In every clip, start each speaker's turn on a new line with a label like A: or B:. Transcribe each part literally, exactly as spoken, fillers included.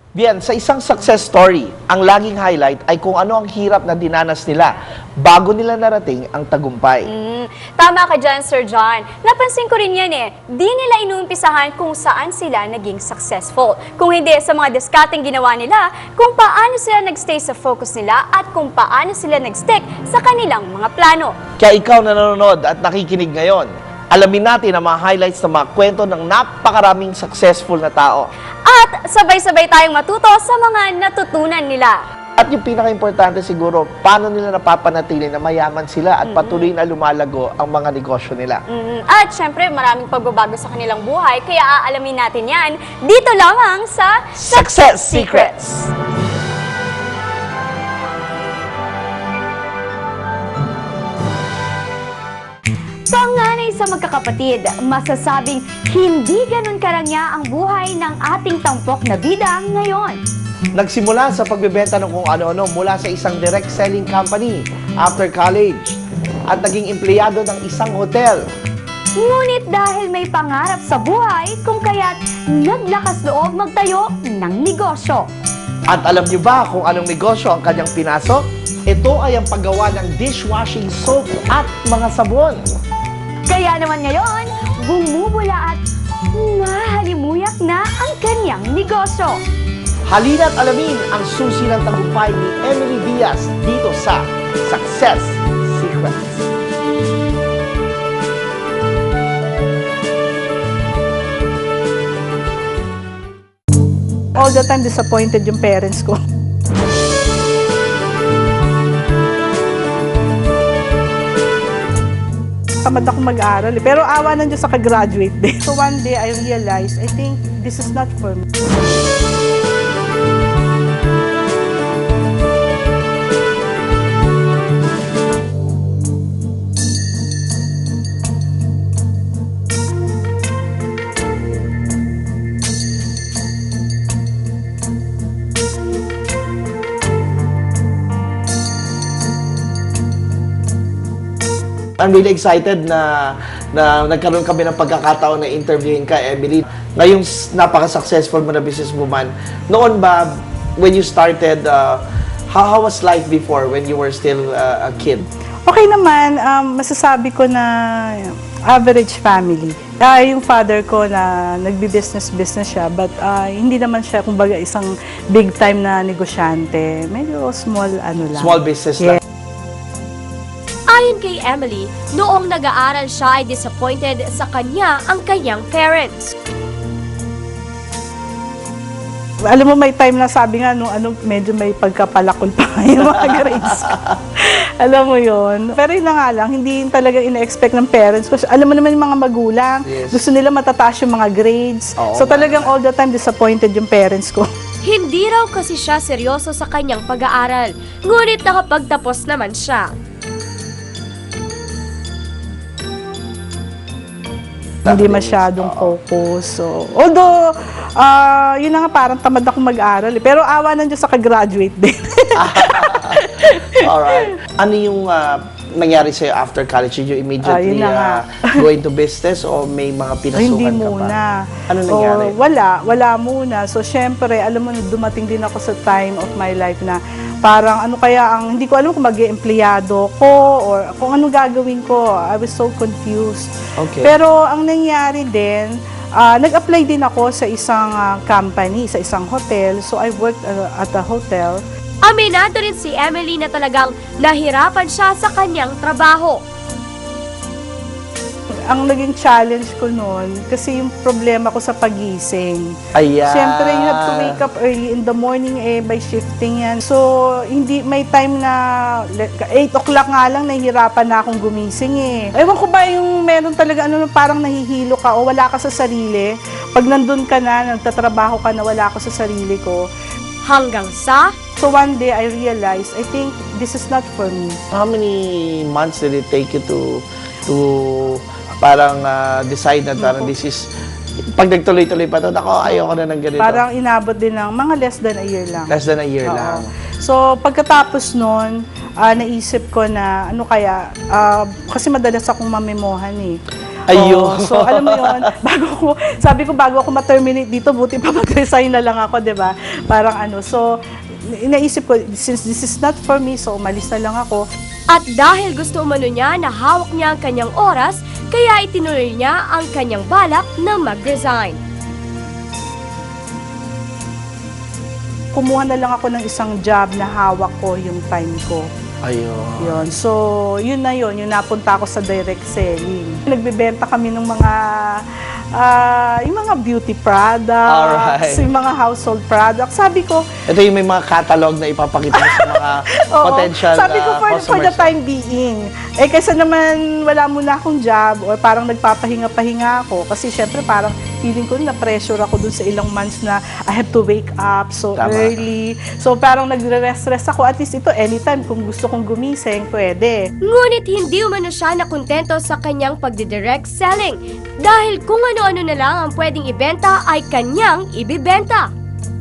A: Bien, sa isang success story, ang laging highlight ay kung ano ang hirap na dinanas nila bago nila narating ang tagumpay.
B: Mm, tama ka dyan, Sir John. Napansin ko rin yan eh. Di nila inuumpisahan kung saan sila naging successful. Kung hindi sa mga diskateng ginawa nila, kung paano sila nagstay sa focus nila at kung paano sila nagstick sa kanilang mga plano.
A: Kaya ikaw na nanonood at nakikinig ngayon, alamin natin ang mga highlights ng mga kwento ng napakaraming successful na tao.
B: At sabay-sabay tayong matuto sa mga natutunan nila.
A: At yung pinaka-importante siguro, paano nila napapanatili na mayaman sila at patuloy na lumalago ang mga negosyo nila.
B: Mm, At syempre, maraming pagbabago sa kanilang buhay, kaya aalamin natin yan dito lamang sa
A: Success Secrets!
B: Panganay sa magkakapatid, masasabing hindi ganun karangya ang buhay ng ating tampok na bida ngayon.
A: Nagsimula sa pagbebenta ng kung ano-ano mula sa isang direct selling company after college at naging empleyado ng isang hotel.
B: Ngunit dahil may pangarap sa buhay, kung kaya't naglakas loob magtayo ng negosyo.
A: At alam niyo ba kung anong negosyo ang kanyang pinasok? Ito ay ang paggawa ng dishwashing soap at mga sabon.
B: Kaya naman ngayon, bumubula at mahalimuyak na ang kanyang negosyo.
A: Halina't alamin ang susi ng tagumpay ni Emily Diaz dito sa Success Secrets.
C: All the time disappointed yung parents ko. Tamad ako mag-aral eh. Pero awa ng Diyos sa ka-graduate din. So one day I realized, I think this is not for me.
A: I'm really excited na, na nagkaroon kami ng pagkakataon na interviewin ka, Emily. Ngayong s- napaka-successful mo na businesswoman, noon ba, when you started, uh, how, how was life before when you were still uh, a kid?
C: Okay naman, um, masasabi ko na average family. Ah, yung father ko na nagbi-business-business siya, but ah, hindi naman siya, kumbaga, isang big-time na negosyante. Medyo small, ano lang.
A: Small business
C: Yeah.
A: lang.
D: Ayon kay Emily, noong nag-aaral siya ay disappointed sa kanya ang kanyang parents.
C: Alam mo, may time na sabi nga, nung ano, medyo may pagkapalakol pa yung mga grades. Alam mo yon. Pero yun na nga lang, hindi talaga ina-expect ng parents. Kasi alam mo naman yung mga magulang,
A: Yes.
C: gusto nila matataas yung mga grades.
A: Oo
C: so
A: nga.
C: talagang all the time disappointed yung parents ko.
D: Hindi raw kasi siya seryoso sa kanyang pag-aaral, ngunit nakapagtapos naman siya.
C: Hindi masyadong focus. So, although, ah, yun na nga, parang tamad ako mag-aral. Eh. Pero awa ng Diyos sa ka-graduate din.
A: Alright. Ano yung uh, nangyari sa'yo after college? Did you immediately
C: Ah, yun na nga.
A: uh, go into business o may mga
C: Ay,
A: pinasukan
C: hindi
A: ka pa?
C: muna.
A: Ano nangyari?
C: O, wala, wala muna. So, syempre, alam mo, dumating din ako sa time of my life na parang ano kaya ang, hindi ko alam kung mag-empleyado ko or kung ano gagawin ko. I was so confused.
A: Okay.
C: Pero ang nangyari din, ah, nag-apply din ako sa isang ah, company, sa isang hotel. So, I worked ah, at a hotel.
D: Aminado rin si Emily na talagang nahirapan siya sa kanyang trabaho.
C: Ang naging challenge ko noon, kasi yung problema ko sa pagising.
A: Ayan.
C: Siyempre, you have to wake up early in the morning eh, by shifting yan. So, hindi, may time na eight o'clock nga lang, nahihirapan na akong gumising eh. Ewan ko ba yung meron talaga, ano, parang nahihilo ka o wala ka sa sarili. Pag nandun ka na, nagtatrabaho ka na wala ka sa sarili ko.
D: Hanggang sa
C: So, one day, I realized, I think this is not for me.
A: How many months did it take you to to parang uh, decide na parang this is pag nagtuloy-tuloy pa to, ako ayoko na ng ganito.
C: Parang inabot din ng mga less than a year lang.
A: Less than a year
C: Oo.
A: lang.
C: So, pagkatapos nun, ah, naisip ko na, ano kaya, ah, kasi madalas akong mamemohan eh.
A: Ayun.
C: Oo, so, alam mo yun, bago ko, sabi ko, bago ako ma-terminate dito, buti pa mag-resign na lang ako, di ba? Parang ano, so, inaisip ko, since this is not for me, so umalis na lang ako.
D: At dahil gusto umano niya na hawak niya ang kanyang oras, kaya itinuloy niya ang kanyang balak na mag-resign.
C: Kumuha na lang ako ng isang job na hawak ko yung time ko.
A: Ayun.
C: Yun. So, yun na yun. Yung napunta ako sa direct selling. Nagbebenta kami ng mga ah, yung mga beauty products,
A: Alright.
C: yung mga household products. Sabi ko,
A: Ito yung may mga catalog na ipapakita mo sa mga
C: oo,
A: potential
C: sabi ko
A: uh,
C: for, for the
A: customers.
C: time being. Eh, kaysa naman wala muna akong job or parang nagpapahinga-pahinga ako. Kasi syempre parang feeling ko na pressure ako dun sa ilang months na I have to wake up so
A: Tama.
C: early. So parang nagre-rest-rest ako. At least ito, anytime kung gusto kong gumising, pwede.
D: Ngunit hindi umano siya nakontento sa kanyang pagdidirect selling dahil kung ano-ano na lang ang pwedeng ibenta ay kanyang ibibenta.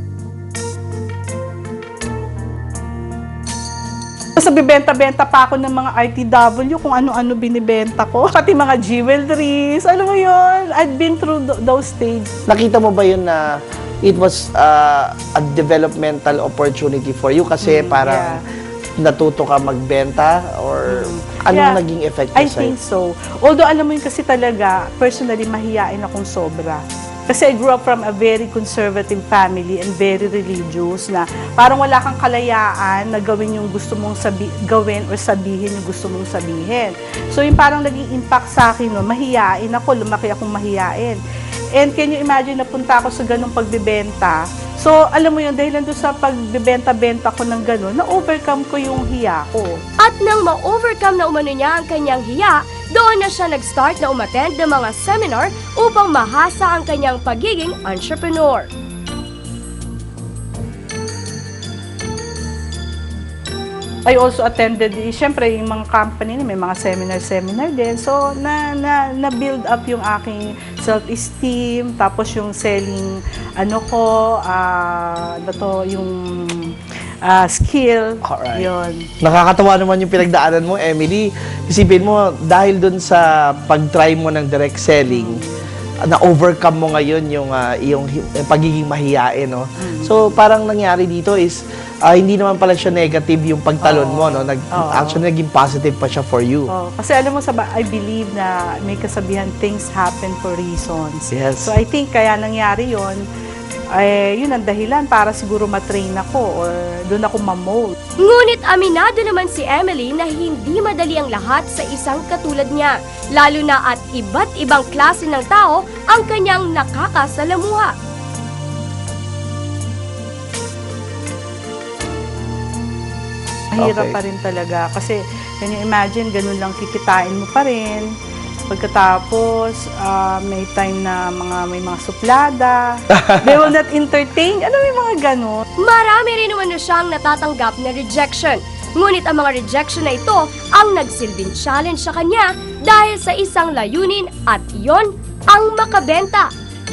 C: Tapos bibenta-benta pa ako ng mga R T W kung ano-ano binibenta ko. Pati mga jewelries, alam mo yun. I've been through th- those stages.
A: Nakita mo ba yun na it was uh, a developmental opportunity for you kasi
C: Mm,
A: parang natuto ka magbenta or anong
C: Yeah,
A: naging effect
C: I
A: niya sa'yo?
C: think so. Although alam mo yun kasi talaga, personally, mahiyain akong sobra. Kasi I grew up from a very conservative family and very religious na parang wala kang kalayaan na gawin yung gusto mong sabi, gawin or sabihin yung gusto mong sabihin. So yung parang naging impact sa akin, no, mahiyain ako, lumaki akong mahiyain. And can you imagine, napunta ako sa ganong pagbibenta. So, alam mo yun, dahil nandun sa pagbibenta-benta ko ng ganon, na-overcome ko yung hiya ko.
D: At nang ma-overcome na umano niya ang kanyang hiya, doon na siya nag-start na umattend ng mga seminar upang mahasa ang kanyang pagiging entrepreneur.
C: I also attended, eh, syempre, yung mga company na may mga seminar-seminar din. So, na, na, na-build up yung aking self-esteem, tapos yung selling, ano ko, ah, ano to, yung ah, skill.
A: Alright.
C: Yun.
A: Nakakatawa naman yung pinagdaanan mo, Emily. Isipin mo, dahil dun sa pag-try mo ng direct selling, na-overcome mo ngayon yung uh, yung hi- pagiging mahiyain, no? So, parang nangyari dito is, ah, hindi naman pala siya negative yung pagtalon mo, no? Nag,
C: Oo.
A: Actually, naging positive pa siya for you.
C: Oh, kasi alam mo, sa ba- I believe na may kasabihan, things happen for reasons.
A: Yes.
C: So, I think kaya nangyari yon eh, yun ang dahilan para siguro matrain ako or doon ako mamold.
D: Ngunit aminado naman si Emily na hindi madali ang lahat sa isang katulad niya, lalo na at iba't ibang klase ng tao ang kanyang nakakasalamuha.
C: Mahirap
A: Okay.
C: pa rin talaga kasi can you imagine, ganun lang kikitain mo pa rin. Pagkatapos, ah, may time na mga may mga suplada. They will not entertain. Ano may mga ganun?
D: Marami rin naman na siyang natatanggap na rejection. Ngunit ang mga rejection na ito ang nagsilbing challenge sa kanya dahil sa isang layunin at iyon ang makabenta.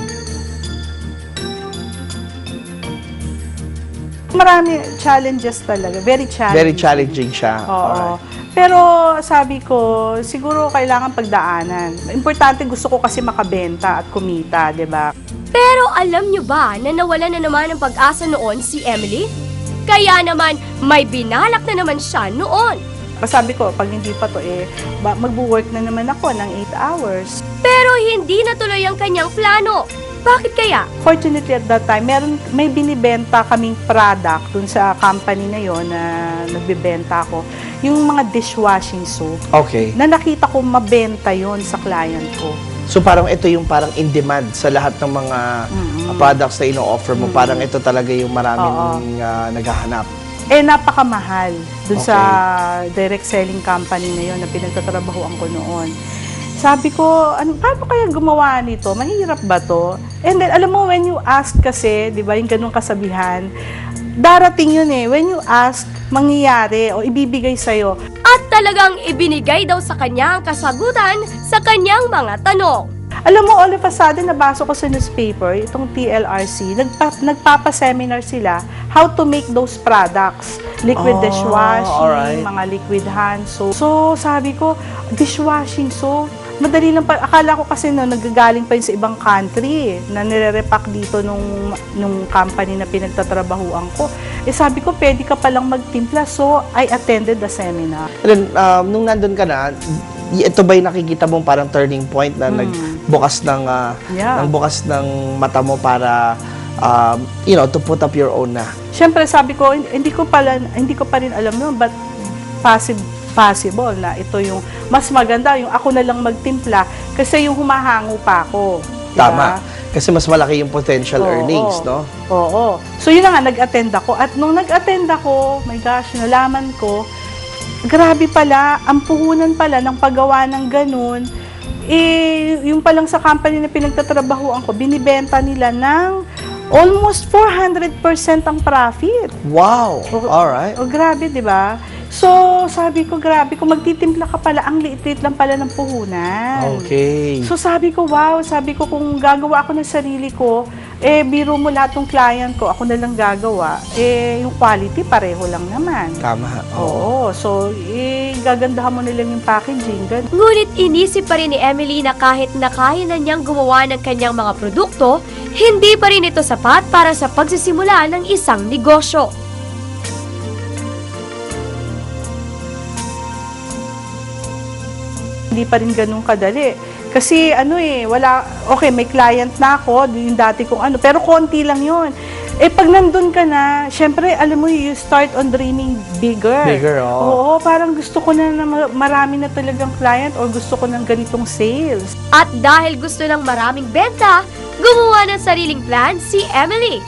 C: Marami challenges talaga. Very challenging.
A: Very challenging siya.
C: Oo.
A: Alright.
C: Pero sabi ko, siguro kailangan pagdaanan. Importante, gusto ko kasi makabenta at kumita, di ba?
D: Pero alam niyo ba na nawalan na naman ng pag-asa noon si Emily? Kaya naman may binalak na naman siya noon.
C: Sabi ko, pag hindi pa to eh, ba- magbo-work na naman ako ng eight hours.
D: Pero hindi natuloy ang kanyang plano. Bakit kaya?
C: Fortunately at that time, meron, may binibenta kaming product dun sa company na yon na nagbibenta ako. Yung mga dishwashing soap
A: Okay.
C: na nakita ko mabenta yon sa client ko.
A: So parang ito yung parang in demand sa lahat ng mga uh, products na ino-offer mo. Parang ito talaga yung maraming uh, naghahanap.
C: Eh, napakamahal dun
A: Okay.
C: sa direct selling company na yon na pinagtatrabahoan ko noon. Sabi ko, ano, paano kaya gumawa nito? Mahirap ba to? And then, alam mo, when you ask kasi, di ba, yung ganung kasabihan, darating yun eh. When you ask, mangyayari o ibibigay sa'yo.
D: At talagang ibinigay daw sa kanya ang kasagutan sa kanyang mga tanong.
C: Alam mo, all of a sudden, nabasa ko sa newspaper, itong T L R C, nagpa, nagpapa-seminar sila how to make those products. Liquid
A: Oh,
C: dishwashing,
A: alright.
C: mga liquid hand soap. So, sabi ko, dishwashing soap, Madali lang pa. Akala ko kasi no, nagagaling pa yun sa ibang country na nire-repack dito nung, nung company na pinagtatrabahuan ko. Eh sabi ko, pwede ka palang magtimpla. So, I attended the seminar.
A: And then, um, nung nandun ka na, y- ito ba yung nakikita mong parang turning point na nagbukas ng, ah,
C: Yeah.
A: ng bukas ng mata mo para, um, you know, to put up your own na?
C: Siyempre, sabi ko, hindi ko pala, hindi ko pa rin alam yun, but possible, possible na ito yung mas maganda, yung ako na lang magtimpla kasi yung humahango pa ako. Diba?
A: Tama. Kasi mas malaki yung potential
C: Oo,
A: earnings, no?
C: Oo. So, yun na nga, nag-attend ako. At nung nag-attend ako, my gosh, nalaman ko, grabe pala, ang puhunan pala ng paggawa ng ganun, eh, yung palang sa company na pinagtatrabahuan ko, binibenta nila ng almost four hundred percent ang profit.
A: Wow!
C: O-
A: Alright.
C: O, grabe, di ba? So, sabi ko, grabe, kung magtitimpla ka pala, ang liit-liit lang pala ng puhunan.
A: Okay.
C: So, sabi ko, wow, sabi ko, kung gagawa ako ng sarili ko, eh, biro mo lahat ng client ko, ako na lang gagawa, eh, yung quality, pareho lang naman.
A: Tama.
C: Oo, so, eh, gagandahan mo nilang yung packaging. Gan-
D: Ngunit inisip pa rin ni Emily na kahit na kaya na niyang gumawa ng kanyang mga produkto, hindi pa rin ito sapat para sa pagsisimula ng isang negosyo.
C: Hindi pa rin ganun kadali. Kasi ano eh, wala, okay, may client na ako, yung dati kong ano, pero konti lang yun. Eh, pag nandun ka na, syempre, alam mo, you start on dreaming bigger.
A: Bigger, oo.
C: Oo, parang gusto ko na, na ma- marami na talagang client or gusto ko ng ganitong sales.
D: At dahil gusto ng maraming benta, gumawa ng sariling plan si Emily.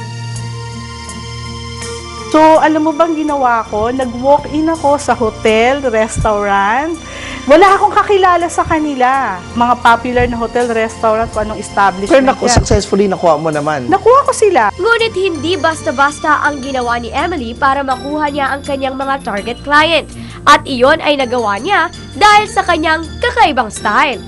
C: So, alam mo bang ginawa ko? Nag-walk-in ako sa hotel, restaurant. Wala akong kakilala sa kanila. Mga popular na hotel, restaurant, kung anong establishment
A: Pero naku,
C: yan.
A: successfully nakuha mo naman.
C: Nakuha ko sila.
D: Ngunit hindi basta-basta ang ginawa ni Emily para makuha niya ang kanyang mga target client. At iyon ay nagawa niya dahil sa kanyang kakaibang style.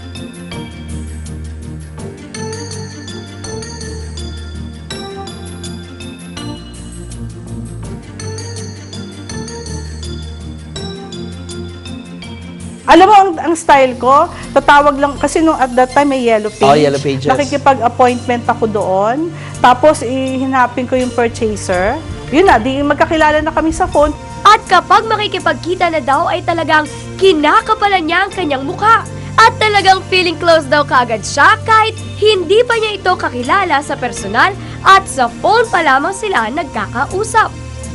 C: Alam mo, ang, ang style ko, tatawag lang, kasi nung at that time may yellow page.
A: Oh, yellow pages.
C: Nakikipag-appointment ako doon. Tapos, ihinapin ko yung purchaser. Yun na, di magkakilala na kami sa phone.
D: At kapag makikipagkita na daw ay talagang kinakapalan niya ang kanyang mukha. At talagang feeling close daw kaagad siya kahit hindi pa niya ito kakilala sa personal at sa phone pa lamang sila nagkakausap.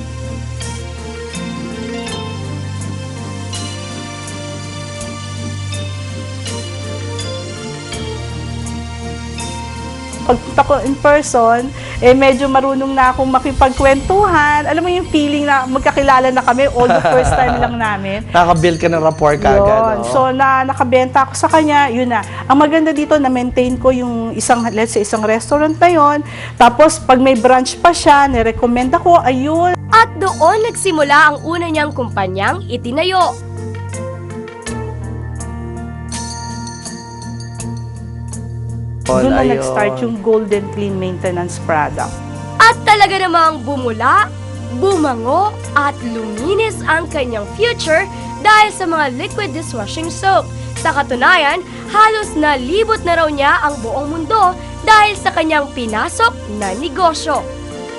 C: Pagpunta ko in person, eh medyo marunong na akong makipagkwentuhan. Alam mo yung feeling na magkakilala na kami, all the first time lang namin.
A: Nakabuild ka ng rapport ka agad.
C: Yun.
A: no?
C: So, na nakabenta ako sa kanya, yun na. Ang maganda dito, na-maintain ko yung isang, let's say, isang restaurant na yun. Tapos, pag may branch pa siya, nirecommend ako, ayun.
D: At doon nagsimula ang una niyang kumpanyang itinayo.
C: Doon na
A: Ayun.
C: nag-start yung Golden Clean Maintenance product.
D: At talaga namang bumula, bumango at luminis ang kanyang future dahil sa mga liquid dishwashing soap. Sa katunayan, halos nalibot na raw niya ang buong mundo dahil sa kanyang pinasok na negosyo.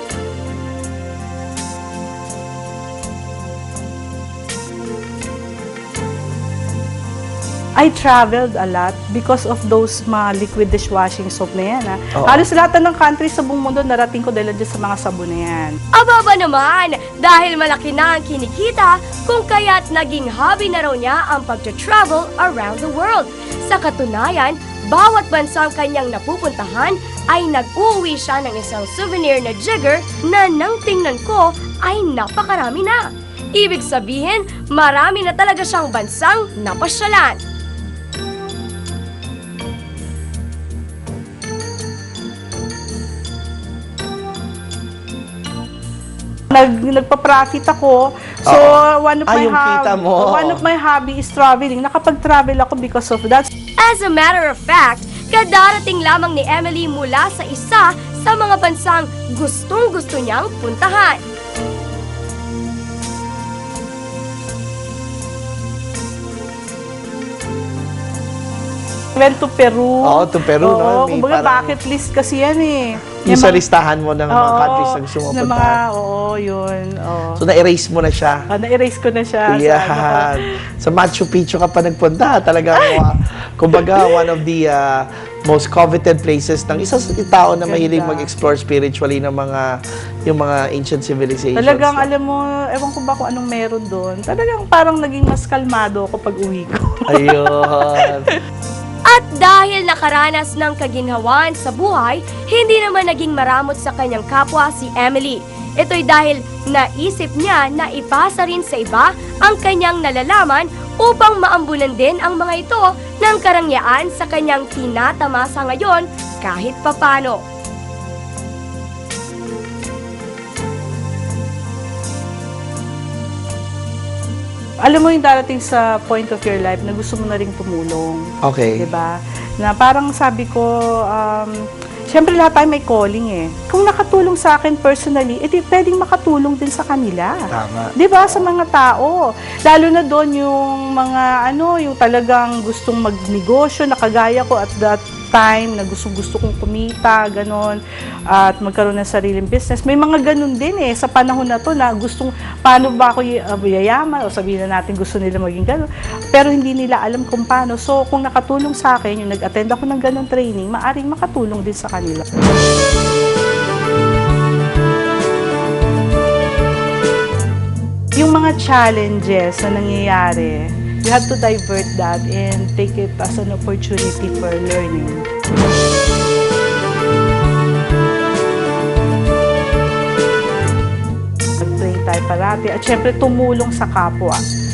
C: I traveled a lot because of those mga liquid dishwashing soap na yan. Ha?
A: Oo.
C: Halos lahat ng country sa buong mundo, narating ko dahil dyan sa mga sabon na yan.
D: Ababa naman, dahil malaki na ang kinikita kung kaya't naging hobby na raw niya ang pag-travel around the world. Sa katunayan, bawat bansang kanyang napupuntahan ay nag-uwi siya ng isang souvenir na jigger na nang tingnan ko ay napakarami na. Ibig sabihin, marami na talaga siyang bansang napasyalan.
C: Nag, nagpa-profit ako. So,
A: Oo.
C: one of
A: Ah,
C: my
A: yung
C: hob-
A: kita mo.
C: one of my hobby is traveling. Nakapag-travel ako because of that.
D: As a matter of fact, kadarating lamang ni Emily mula sa isa sa mga bansang gustong-gusto niyang puntahan.
C: Went to Peru.
A: Oo, to Peru, no?
C: Oo,
A: May
C: kumbaga
A: parang-
C: bucket list kasi yan eh.
A: Yung sa
C: mga-
A: listahan mo ng mga
C: Oo,
A: countries na gusto mo
C: na mga,
A: puntahan.
C: oo, yun. Oo.
A: So, na-erase mo na siya.
C: Ah, na-erase ko na siya. Sa, ano ko.
A: Yan. Sa Machu Picchu ka pa nagpunta. Talagang, uh, kumbaga, one of the uh, most coveted places ng isang tao na mahilig
C: Ganda.
A: mag-explore spiritually ng mga, yung mga ancient civilizations.
C: Talagang alam mo, ewan ko ba kung anong meron doon. Talagang parang naging mas kalmado ako pag uwi ko.
A: Ayun.
D: At dahil nakaranas ng kaginhawan sa buhay, hindi naman naging maramot sa kanyang kapwa si Emily. Ito'y dahil naisip niya na ipasa rin sa iba ang kanyang nalalaman upang maambunan din ang mga ito ng karangyaan sa kanyang tinatamasa ngayon kahit papano.
C: Alam mo yung darating sa point of your life na gusto mo na rin tumulong.
A: Okay.
C: Diba? Na parang sabi ko, um, syempre lahat tayo may calling eh. Kung nakatulong sa akin personally, edi pwedeng makatulong din sa kanila.
A: Tama.
C: 'Di ba? Sa mga tao. Lalo na doon yung mga ano, yung talagang gustong magnegosyo, nakagaya ko at that time na gusto-gusto kong kumita, ganon, at magkaroon ng sariling business. May mga ganon din eh, sa panahon na to na gustong, paano ba ako y- uh, yayaman, o sabihin na natin gusto nila maging ganon, pero hindi nila alam kung paano. So, kung nakatulong sa akin, yung nag-attend ako ng ganon training, maaring makatulong din sa kanila. Yung mga challenges na nangyayari, you have to divert that and take it as an opportunity for learning. Mag-pray tayo parati at syempre tumulong sa kapwa.